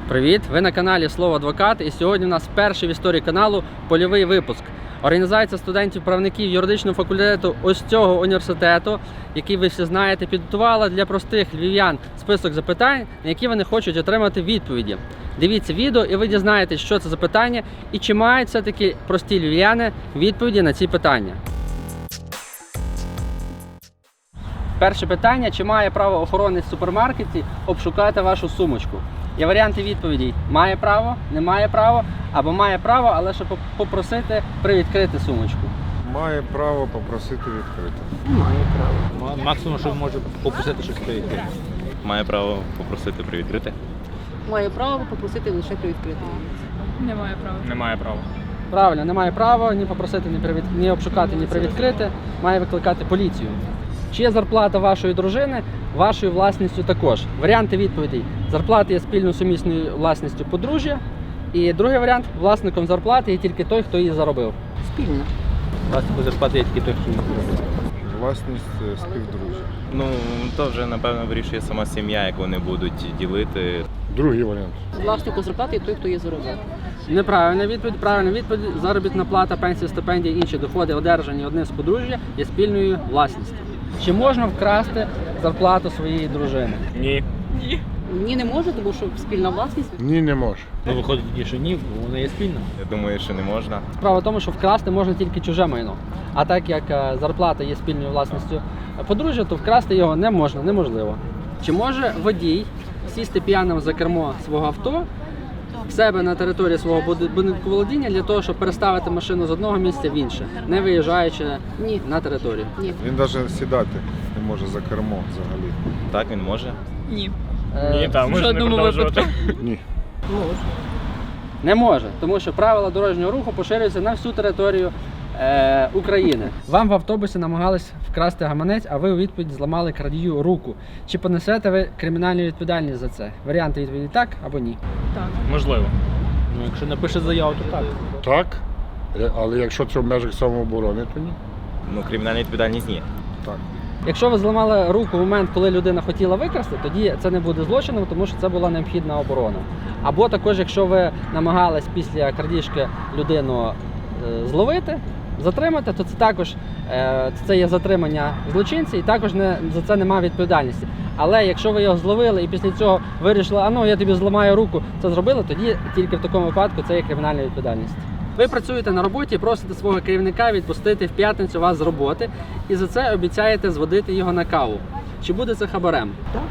Привіт! Ви на каналі Слово Адвокат, і сьогодні у нас перший в історії каналу польовий випуск. Організація студентів-правників юридичного факультету ось цього університету, який ви всі знаєте, підготувала для простих львів'ян список запитань, на які вони хочуть отримати відповіді. Дивіться відео і ви дізнаєтесь, що це за питання і чи мають все-таки прості львів'яни відповіді на ці питання. Перше питання: чи має право охоронець в супермаркеті обшукати вашу сумочку? Є варіанти відповідей: має право, не має право, або має право, але щоб попросити привідкрити сумочку. Має право попросити відкрити. Має право. Максимум, що може попросити щось привідкрити. Має право попросити привідкрити. Має право попросити лише привідкрити. Немає права. Немає права. Правильно, не має права ні попросити, ні обшукати, ні привідкрити, має викликати поліцію. Чи є зарплата вашої дружини вашою власністю також? Варіанти відповідей: зарплата є спільно сумісною власністю подружжя. І другий варіант: власником зарплати є тільки той, хто її заробив. Спільно. Власнику зарплати є тільки той, хто її заробив. Власність співдружжя. Ну, то вже, напевно, вирішує сама сім'я, як вони будуть ділити. Другий варіант. Власнику зарплати є той, хто її заробив. Неправильна відповідь. Правильна відповідь: заробітна плата, пенсія, стипендія, інші доходи, одержані одним з подружжя, є спільною власністю. Чи можна вкрасти зарплату своєї дружини? Ні. Ні, не може, тому що спільна власність. Ні, не може. Ну, виходить тоді, що ні, бо вона є спільна. Я думаю, що не можна. Справа в тому, що вкрасти можна тільки чуже майно. А так як зарплата є спільною власністю подружжя, то вкрасти його не можна, неможливо. Чи може водій сісти п'яним за кермо свого авто в себе на території свого будинку володіння для того, щоб переставити машину з одного місця в інше, не виїжджаючи Ні. на територію? Ні. Він навіть сідати не може за кермо взагалі. Так, він може. Ні. Ні, там В можна не жодному продовжувати. випадку. Ні. Може. Не може, тому що правила дорожнього руху поширюються на всю територію України. Вам в автобусі намагались вкрасти гаманець, а ви у відповідь зламали крадію руку. Чи понесете ви кримінальну відповідальність за це? Варіанти відповіді: так або ні. Так. Можливо. Ну, якщо напише заяву, то так. Так, але якщо це в межах самооборони, то ні. Ну, кримінальна відповідальність ні. Так. Якщо ви зламали руку в момент, коли людина хотіла викрасти, тоді це не буде злочином, тому що це була необхідна оборона. Або також, якщо ви намагались після крадіжки людину зловити, затримати, то це також це є затримання злочинця і також за це немає відповідальності. Але якщо ви його зловили і після цього вирішили, я тобі зламаю руку, це зробили, тоді тільки в такому випадку це є кримінальна відповідальність. Ви працюєте на роботі і просите свого керівника відпустити в п'ятницю вас з роботи і за це обіцяєте зводити його на каву. Чи буде це хабарем?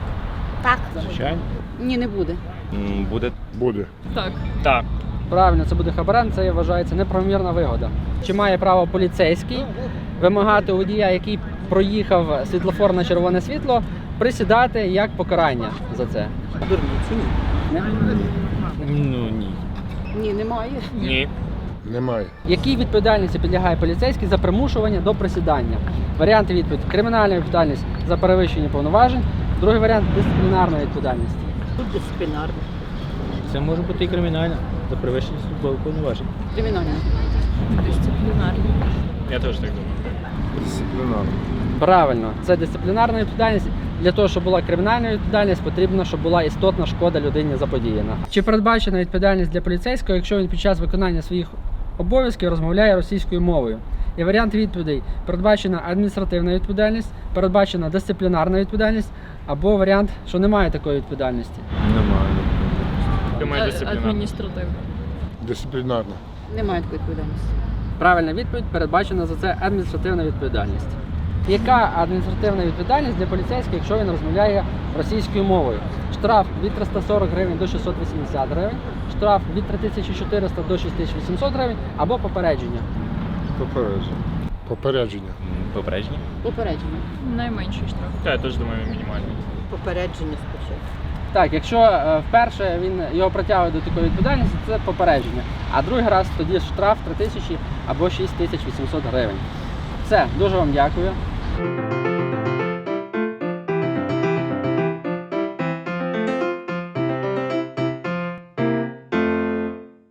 Так. Звичайно. Ні, не буде. Буде. Буде. Так. Так. Правильно, це буде хабарем, це вважається неправомірна вигода. Чи має право поліцейський вимагати у водія, який проїхав світлофор на червоне світло, присідати як покарання за це? Дурниці. Ні. Ну, ні. Ні, немає. Ні. Немає. Якій відповідальності підлягає поліцейський за примушування до присідання? Варіанти відповіді: кримінальна відповідальність за перевищення повноважень, другий варіант – дисциплінарна відповідальність. Тут дисциплінарно. Це може бути і кримінальна за перевищення службових повноважень. Кримінально. Дисциплінарні. Я теж так думаю. Дисциплінарно. Правильно, це дисциплінарна відповідальність. Для того, щоб була кримінальна відповідальність, потрібно, щоб була істотна шкода людині заподіяна. Чи передбачена відповідальність для поліцейського, якщо він під час виконання своїх обов'язків розмовляє російською мовою? Є варіант відповідей: передбачена адміністративна відповідальність, передбачена дисциплінарна відповідальність, або варіант, що немає такої відповідальності. Немає. Адміністративно. Дисциплінарно. Немає такої відповідальності. Правильна відповідь: передбачена за це адміністративна відповідальність. Яка адміністративна відповідальність для поліцейського, якщо він розмовляє російською мовою? Штраф від 340 гривень до 680 гривень, штраф від 3400 до 6800 гривень або попередження. Попередження. Попередження. Попередження. Попередження. Найменший штраф. Так, я теж думаю, мінімальний. Попередження спочатку. Так, якщо вперше його притягує до такої відповідальності, це попередження. А другий раз тоді штраф 3000 або 6800 гривень. Все, дуже вам дякую.